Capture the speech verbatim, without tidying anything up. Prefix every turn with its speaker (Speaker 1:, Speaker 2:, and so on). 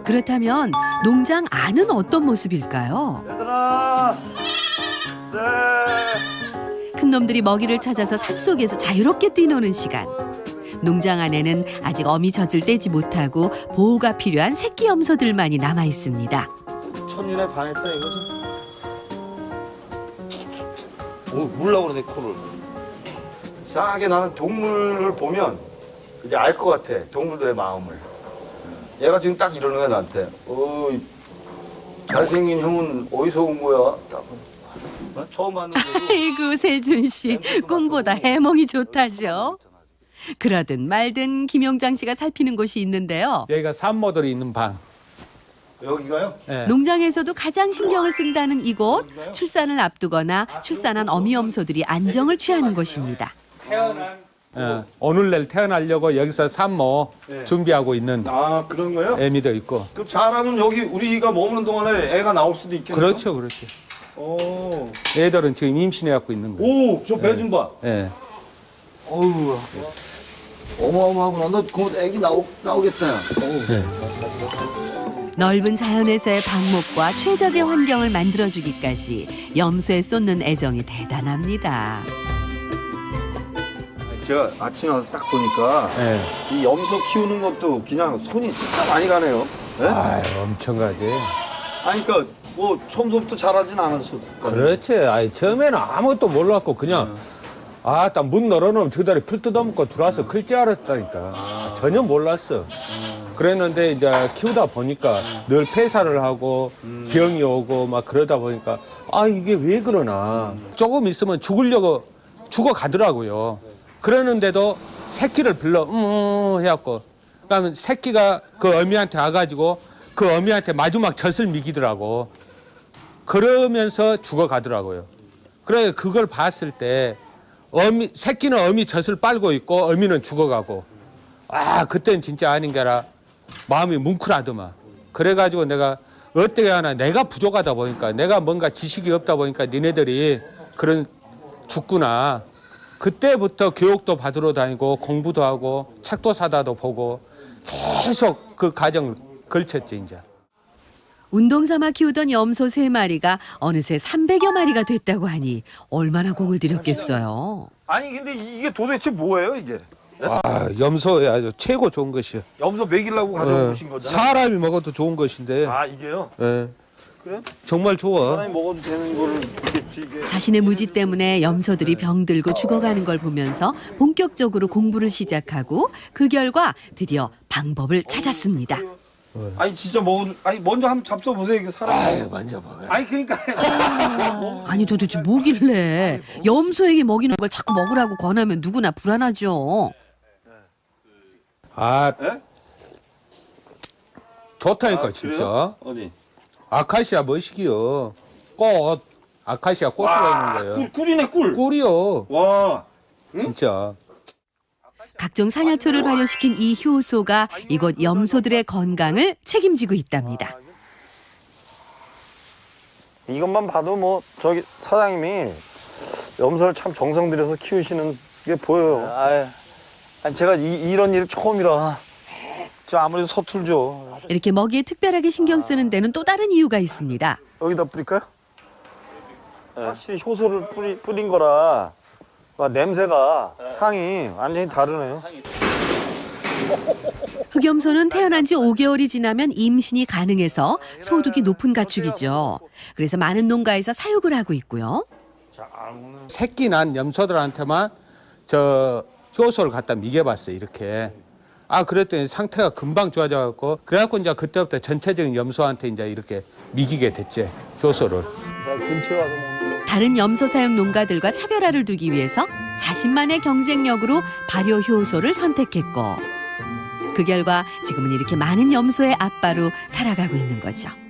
Speaker 1: 그렇다면 농장 안은 어떤 모습일까요?
Speaker 2: 얘들아, 네.
Speaker 1: 큰 놈들이 먹이를 찾아서 산속에서 자유롭게 뛰노는 시간. 농장 안에는 아직 어미 젖을 떼지 못하고 보호가 필요한 새끼 염소들만이 남아 있습니다.
Speaker 2: 천일에 반했다 이거지. 오, 물라고 그러네 코를. 이상하게 나는 동물을 보면 이제 알 것 같아. 동물들의 마음을. 얘가 지금 딱 이러는 거야 나한테. 어, 잘생긴 형은 어디서 온 거야? 딱. 나 처음 봤는데.
Speaker 1: 아이고 세준 씨, 꿈보다 해몽이 좋다죠. 그러든 말든 김용장 씨가 살피는 곳이 있는데요.
Speaker 3: 여기가 산모들이 있는 방.
Speaker 2: 여기가요?
Speaker 3: 네.
Speaker 1: 농장에서도 가장 신경을 쓴다는 이곳, 출산을 앞두거나 출산한 어미 염소들이 안정을 취하는 곳입니다.
Speaker 3: 태어난 어, 오늘날 태어나려고 여기서 산모
Speaker 2: 네.
Speaker 3: 준비하고 있는
Speaker 2: 아, 그런 거요?
Speaker 3: 애미도 있고.
Speaker 2: 그럼 잘하면 여기 우리가 머무는 동안에 애가 나올 수도 있겠네요.
Speaker 3: 그렇죠, 그렇죠.
Speaker 2: 오,
Speaker 3: 애들은 지금 임신해 갖고 있는 거예요.
Speaker 2: 오, 저 배 좀 봐.
Speaker 3: 예.
Speaker 2: 어우, 어마어마하구나. 너 곧 애기 나오, 나오겠다. 어우.
Speaker 3: 네.
Speaker 1: 넓은 자연에서의 방목과 최적의 환경을 만들어주기까지 염소에 쏟는 애정이 대단합니다.
Speaker 2: 제가 아침에 와서 딱 보니까
Speaker 3: 예.
Speaker 2: 이 염소 키우는 것도 그냥 손이 진짜 많이 가네요. 네?
Speaker 3: 아, 엄청 가지.
Speaker 2: 아니, 그러니까 뭐 처음부터 잘하진 않으셨을 거예요.
Speaker 3: 그렇지. 아니, 처음에는 아무것도 몰랐고 그냥 아, 딱 문 열어놓으면 저다리 풀 뜯어먹고 들어와서 클 줄 알았다니까. 전혀 몰랐어. 그랬는데 이제 키우다 보니까 늘 폐사를 하고 병이 오고 막 그러다 보니까 아, 이게 왜 그러나. 조금 있으면 죽으려고 죽어가더라고요. 그러는데도 새끼를 불러 음 해갖고 그러면 새끼가 그 어미한테 와가지고 그 어미한테 마지막 젖을 미기더라고. 그러면서 죽어가더라고요. 그래 그걸 봤을 때 어미 새끼는 어미 젖을 빨고 있고 어미는 죽어가고 아 그때는 진짜 아닌 게 아니라 마음이 뭉클하더만. 그래가지고 내가 어떻게 하나 내가 부족하다 보니까 내가 뭔가 지식이 없다 보니까 니네들이 그런 죽구나. 그때부터 교육도 받으러 다니고 공부도 하고 책도 사다도 보고 계속 그 과정을 걸쳤지 이제.
Speaker 1: 운동 삼아 키우던 염소 세 마리가 어느새 삼백여 마리가 됐다고 하니 얼마나 공을 들였겠어요.
Speaker 2: 아니, 근데 이게 도대체 뭐예요, 이게?
Speaker 3: 아 염소에 아주 최고 좋은 것이요.
Speaker 2: 염소 먹이려고 가져오신 거잖아요.
Speaker 3: 사람이 먹어도 좋은 것인데.
Speaker 2: 아, 이게요?
Speaker 3: 예.
Speaker 2: 그래?
Speaker 3: 정말 좋아.
Speaker 2: 사람이 먹어도 되는 거를 있겠지, 이게.
Speaker 1: 자신의 무지 때문에 염소들이 병들고 죽어가는 걸 보면서 본격적으로 공부를 시작하고 그 결과 드디어 방법을 찾았습니다.
Speaker 2: 아니, 진짜 먹어도, 아니, 먼저 한번 잡숴보세요, 이게 사람이.
Speaker 3: 아유 먼저 먹어라.
Speaker 2: 아니, 그러니까.
Speaker 1: 아니 도대체 뭐길래 염소에게 먹이는 걸 자꾸 먹으라고 권하면 누구나 불안하죠.
Speaker 3: 아
Speaker 2: 예?
Speaker 3: 좋다니까
Speaker 2: 아,
Speaker 3: 진짜.
Speaker 2: 그래요? 어디?
Speaker 3: 아카시아 뭐시기요? 꽃. 아카시아 꽃이가 있는 거예요.
Speaker 2: 꿀, 꿀이네, 꿀.
Speaker 3: 꿀이요.
Speaker 2: 와.
Speaker 3: 진짜.
Speaker 1: 각종 사냐토를 발효시킨 이 효소가 이곳 염소들의 건강을 책임지고 있답니다.
Speaker 2: 이것만 봐도 뭐 저기 사장님이 염소를 참 정성 들여서 키우시는 게 보여요. 아, 아니 제가 이, 이런 일 처음이라 저 아무래도 서툴죠.
Speaker 1: 이렇게 먹이에 특별하게 신경 쓰는 데는 또 다른 이유가 있습니다.
Speaker 2: 여기다 뿌릴까요? 네. 확실히 효소를 뿌리, 뿌린 거라 와, 냄새가 향이 완전히 다르네요.
Speaker 1: 흑염소는 태어난 지 오 개월이 지나면 임신이 가능해서 소득이 높은 가축이죠. 그래서 많은 농가에서 사육을 하고 있고요.
Speaker 3: 새끼 난 염소들한테만 저 효소를 갖다 미개봤어요. 이렇게. 아 그랬더니 상태가 금방 좋아져갖고 그래갖고 이제 그때부터 전체적인 염소한테 이제 이렇게 미기게 됐지 효소를.
Speaker 2: 근처에 와서 먹는 거.
Speaker 1: 다른 염소 사육 농가들과 차별화를 두기 위해서 자신만의 경쟁력으로 발효 효소를 선택했고 그 결과 지금은 이렇게 많은 염소의 아빠로 살아가고 있는 거죠.